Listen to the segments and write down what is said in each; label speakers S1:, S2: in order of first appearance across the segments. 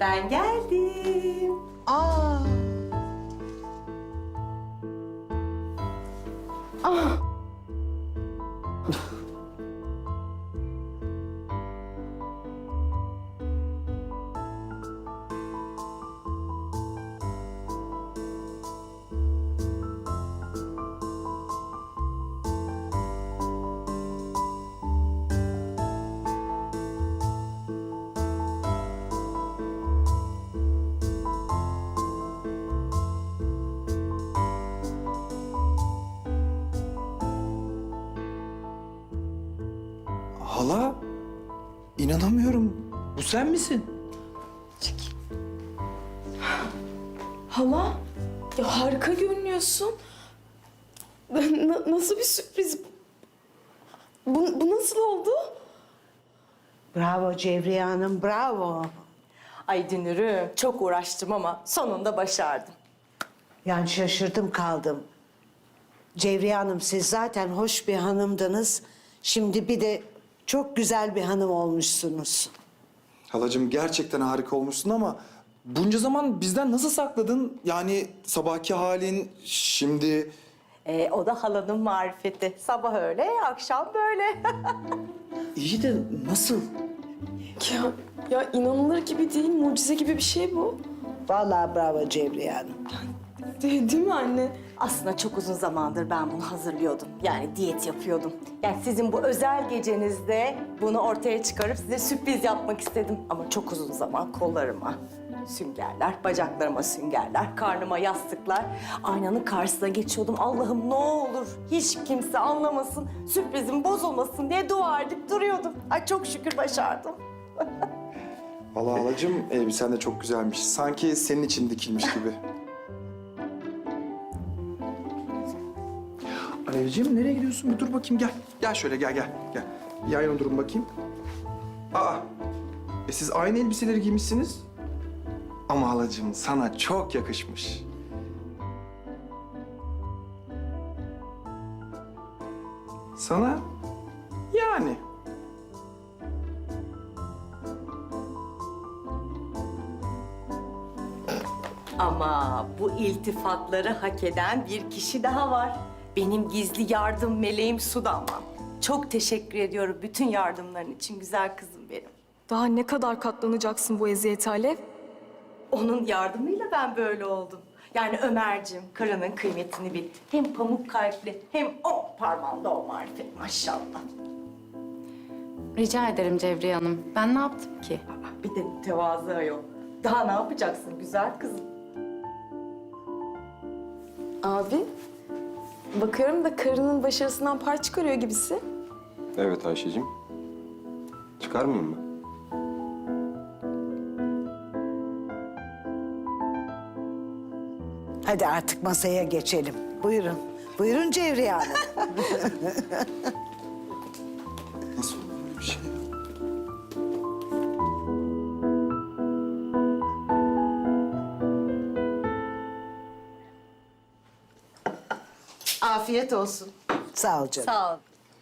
S1: Ben geldim.
S2: Aa.
S3: Hala, inanamıyorum. Bu sen misin?
S4: Hala, ya harika görünüyorsun. Nasıl bir sürpriz? Bu nasıl oldu?
S2: Bravo Cevriye Hanım, bravo.
S1: Ay Dünür'üm, çok uğraştım ama sonunda başardım.
S2: Yani şaşırdım kaldım. Cevriye Hanım, siz zaten hoş bir hanımdınız. Şimdi bir de çok güzel bir hanım olmuşsunuz.
S3: Halacığım gerçekten harika olmuşsun ama bunca zaman bizden nasıl sakladın? Yani sabahki halin, şimdi...
S1: O da halanın marifeti. Sabah öyle, akşam böyle.
S3: İyi de nasıl?
S4: Ya inanılır gibi değil, mucize gibi bir şey bu.
S2: Vallahi bravo Cevriye Hanım.
S4: Değil mi anne?
S1: Aslında çok uzun zamandır ben bunu hazırlıyordum. Yani diyet yapıyordum. Yani sizin bu özel gecenizde bunu ortaya çıkarıp size sürpriz yapmak istedim. Ama çok uzun zaman kollarıma süngerler, bacaklarıma süngerler, karnıma yastıklar. Aynanın karşısına geçiyordum. Allah'ım ne olur hiç kimse anlamasın, sürprizim bozulmasın diye dua edip duruyordum. Ay çok şükür başardım.
S3: Vallahi halacığım elbisen de çok güzelmiş. Sanki senin için dikilmiş gibi. Alevciğim nereye gidiyorsun? Bir dur bakayım gel. Gel şöyle gel. Bir yan yana durun bakayım. Aa, siz aynı elbiseleri giymişsiniz. Ama halacığım sana çok yakışmış. Sana yani.
S1: Ama bu iltifatları hak eden bir kişi daha var. Benim gizli yardım meleğim Su Damla'm. Çok teşekkür ediyorum bütün yardımların için güzel kızım benim.
S4: Daha ne kadar katlanacaksın bu eziyete Alev?
S1: Onun yardımıyla ben böyle oldum. Yani Ömerciğim, karının kıymetini bil. Hem pamuk kalpli hem o parmağında o marifet maşallah.
S5: Rica ederim Cevriye Hanım. Ben ne yaptım ki?
S1: Bir de tevazu yok. Daha ne yapacaksın güzel kızım?
S4: Abi, bakıyorum da karının başarısından pay çıkarıyor gibisin.
S6: Evet Ayşe'cim. Çıkarmayayım mı?
S2: Hadi artık masaya geçelim. Buyurun. Buyurun Cevriye Hanım.
S3: Nasıl olur böyle bir şey ya?
S1: Afiyet olsun.
S2: Sağ ol canım.
S1: Sağ ol.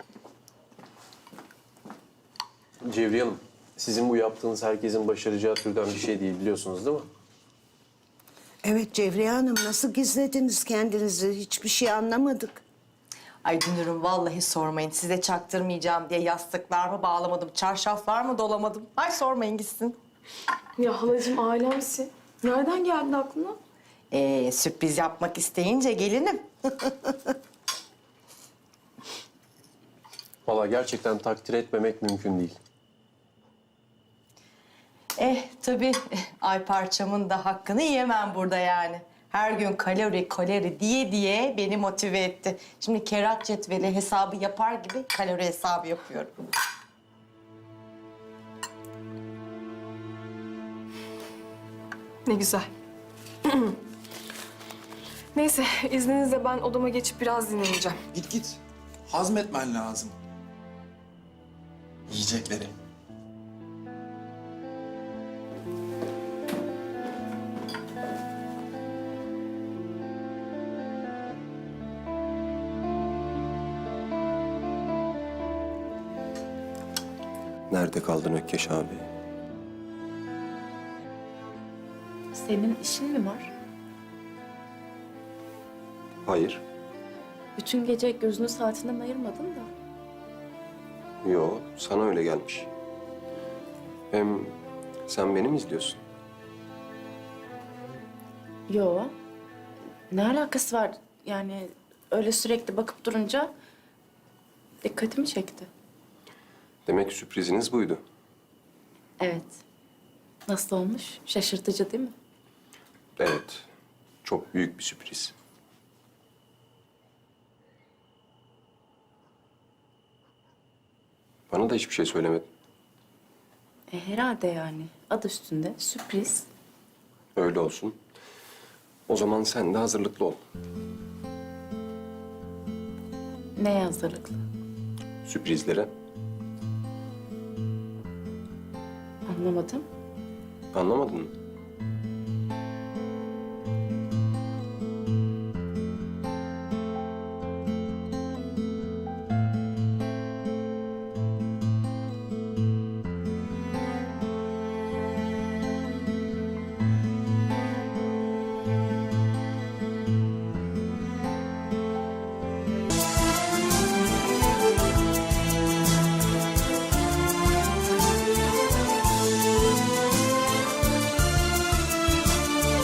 S6: Cevriye Hanım, sizin bu yaptığınız herkesin başaracağı türden bir şey değil biliyorsunuz değil mi?
S2: Evet Cevriye Hanım, nasıl gizlediniz kendinizi? Hiçbir şey anlamadık.
S1: Ay Dünür'üm vallahi sormayın. Size çaktırmayacağım diye yastıklar mı bağlamadım, çarşaflar mı dolamadım. Ay sormayın gitsin.
S4: Ya halacığım alemsin. Nereden geldi aklına?
S1: Sürpriz yapmak isteyince gelinim.
S6: Vallahi gerçekten takdir etmemek mümkün değil.
S1: Tabii ay parçamın da hakkını yiyemem burada yani. Her gün kalori diye beni motive etti. Şimdi kerat cetveli hesabı yapar gibi kalori hesabı yapıyorum.
S4: Ne güzel. Neyse, izninizle ben odama geçip biraz dinleneceğim.
S3: Git. Hazmetmen lazım. Yiyecekleri.
S6: Nerede kaldın Ökkeş abi?
S4: Senin işin mi var?
S6: Hayır.
S4: Bütün gece gözünü saatinden ayırmadın da.
S6: Yo, sana öyle gelmiş. Hem sen beni mi izliyorsun?
S4: Yo. Ne alakası var? Yani öyle sürekli bakıp durunca dikkatimi çekti.
S6: Demek sürpriziniz buydu.
S4: Evet. Nasıl olmuş? Şaşırtıcı değil mi?
S6: Evet, çok büyük bir sürpriz. Bana da hiçbir şey söylemedin.
S4: Herhalde yani. Adı üstünde sürpriz.
S6: Öyle olsun. O zaman sen de hazırlıklı ol.
S4: Neye hazırlıklı?
S6: Sürprizlere.
S4: Anlamadım.
S6: Anlamadın mı?